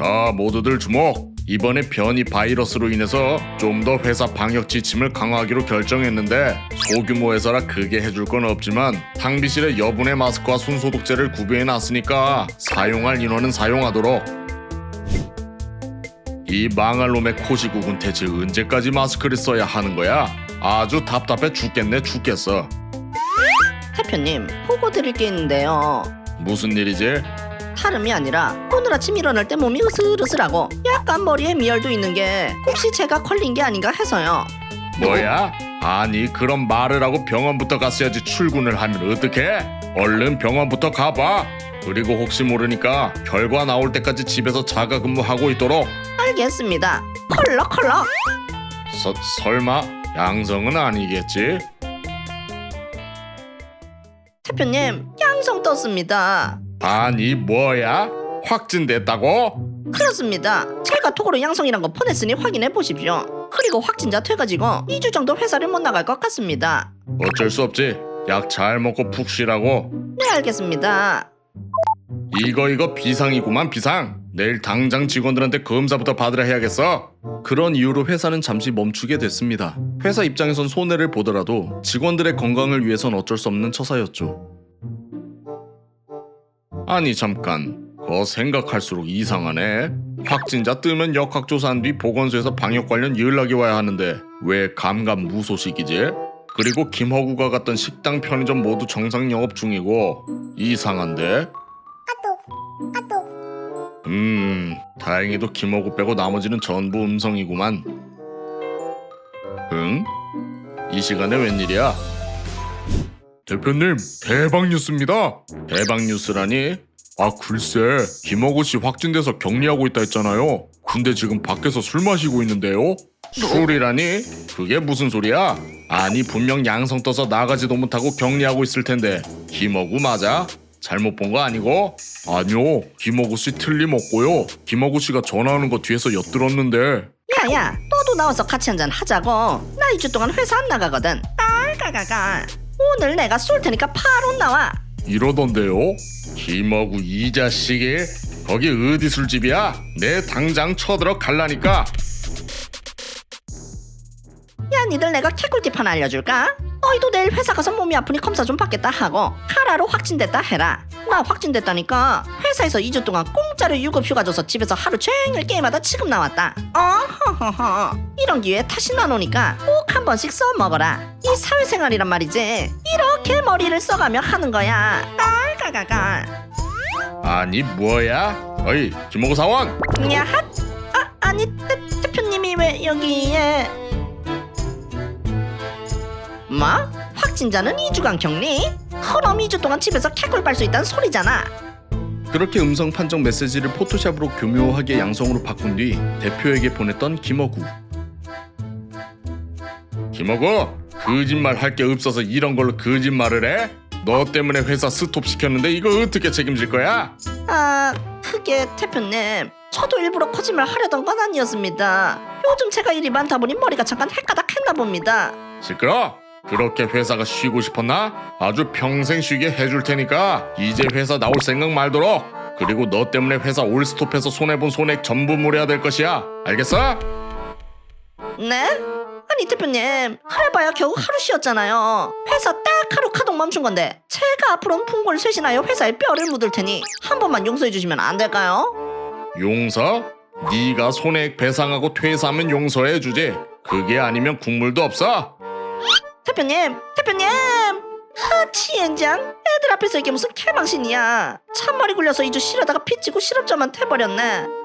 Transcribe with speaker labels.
Speaker 1: 자, 모두들 주목! 이번에 변이 바이러스로 인해서 좀 더 회사 방역 지침을 강화하기로 결정했는데 소규모 회사라 크게 해줄 건 없지만 탕비실에 여분의 마스크와 손소독제를 구비해놨으니까 사용할 인원은 사용하도록. 이 망할 놈의 코시국은 대체 언제까지 마스크를 써야 하는 거야? 아주 답답해 죽겠네 죽겠어.
Speaker 2: 대표님, 보고 드릴 게 있는데요.
Speaker 1: 무슨 일이지?
Speaker 2: 다름이 아니라 오늘 아침 일어날 때 몸이 으슬으슬하고 약간 머리에 미열도 있는 게 혹시 제가 걸린 게 아닌가 해서요.
Speaker 1: 뭐야? 아니 그럼 말을 하고 병원부터 갔어야지. 출근을 하면 어떡해? 얼른 병원부터 가봐. 그리고 혹시 모르니까 결과 나올 때까지 집에서 자가 근무하고 있도록.
Speaker 2: 알겠습니다. 컬럭컬럭.
Speaker 1: 설마 양성은 아니겠지?
Speaker 2: 대표님, 양성 떴습니다.
Speaker 1: 아니 뭐야? 확진됐다고?
Speaker 2: 그렇습니다. 제가 톡으로 양성이란 거 보냈으니 확인해 보십시오. 그리고 확진자 돼가지고 2주 정도 회사를 못 나갈 것 같습니다.
Speaker 1: 어쩔 수 없지. 약 잘 먹고 푹 쉬라고.
Speaker 2: 네, 알겠습니다.
Speaker 1: 이거 비상이구만 비상. 내일 당장 직원들한테 검사부터 받으라 해야겠어. 그런 이유로 회사는 잠시 멈추게 됐습니다. 회사 입장에선 손해를 보더라도 직원들의 건강을 위해선 어쩔 수 없는 처사였죠. 아니 잠깐, 그거 생각할수록 이상하네. 확진자 뜨면 역학조사한 뒤 보건소에서 방역 관련 연락이 와야 하는데 왜 감감무소식이지? 그리고 김허구가 갔던 식당, 편의점 모두 정상 영업 중이고 이상한데? 다행히도 김허구 빼고 나머지는 전부 음성이구만. 응? 이 시간에 웬일이야? 대표님, 대박 뉴스입니다. 대박 뉴스라니? 아 글쎄, 김허구 씨 확진돼서 격리하고 있다 했잖아요. 근데 지금 밖에서 술 마시고 있는데요? 술이라니? 그게 무슨 소리야? 아니 분명 양성 떠서 나가지도 못하고 격리하고 있을 텐데 김허구 맞아? 잘못 본 거 아니고? 아니요, 김허구 씨 틀림없고요. 김허구 씨가 전화하는 거 뒤에서 엿들었는데.
Speaker 2: 야야, 너도 나와서 같이 한잔 하자고. 나 2주 동안 회사 안 나가거든. 깔깔깔깔. 오늘 내가 쏠 테니까 바로 나와.
Speaker 1: 이러던데요? 김허구 이 자식이? 거기 어디 술집이야? 내 당장 쳐들어 갈라니까.
Speaker 2: 야, 니들 내가 개꿀팁 하나 알려줄까? 너희도 내일 회사 가서 몸이 아프니 검사 좀 받겠다 하고 카라로 확진됐다 해라. 나 확진됐다니까 회사에서 2주 동안 공짜로 유급휴가 줘서 집에서 하루 종일 게임하다 지금 나왔다. 허허허. 이런 기회에 다시 나노니까 꼭 한 번씩 써먹어라. 이 사회생활이란 말이지. 이렇게 머리를 써가며 하는 거야. 깔깔깔깔.
Speaker 1: 아니 뭐야? 어이 김허구 사원!
Speaker 2: 야핫. 아니 대표님이 왜 여기에? 뭐? 확진자는 2주간 격리? 그럼 2주 동안 집에서 개꿀 빨 수 있다는 소리잖아.
Speaker 1: 그렇게 음성 판정 메시지를 포토샵으로 교묘하게 양성으로 바꾼 뒤 대표에게 보냈던 김허구. 김허구, 거짓말 할 게 없어서 이런 걸로 거짓말을 해? 너 때문에 회사 스톱 시켰는데 이거 어떻게 책임질 거야?
Speaker 2: 그게 대표님, 저도 일부러 거짓말 하려던 건 아니었습니다. 요즘 제가 일이 많다 보니 머리가 잠깐 헷가닥했나 봅니다.
Speaker 1: 시끄러! 그렇게 회사가 쉬고 싶었나? 아주 평생 쉬게 해줄 테니까 이제 회사 나올 생각 말도록. 그리고 너 때문에 회사 올스톱해서 손해본 손액 전부 물어야 될 것이야. 알겠어?
Speaker 2: 네? 아니 대표님, 그래봐야 겨우 하루 쉬었잖아요. 회사 딱 하루 카동 멈춘 건데 제가 앞으로는 풍골 쇄신하여 회사에 뼈를 묻을 테니 한 번만 용서해 주시면 안 될까요?
Speaker 1: 용서? 네가 손해액 배상하고 퇴사하면 용서해 주지. 그게 아니면 국물도 없어.
Speaker 2: 대표님! 치엔장? 애들 앞에서 이게 무슨 개망신이야. 찬머리 굴려서 2주 쉬려다가 피치고 실업자만 돼버렸네.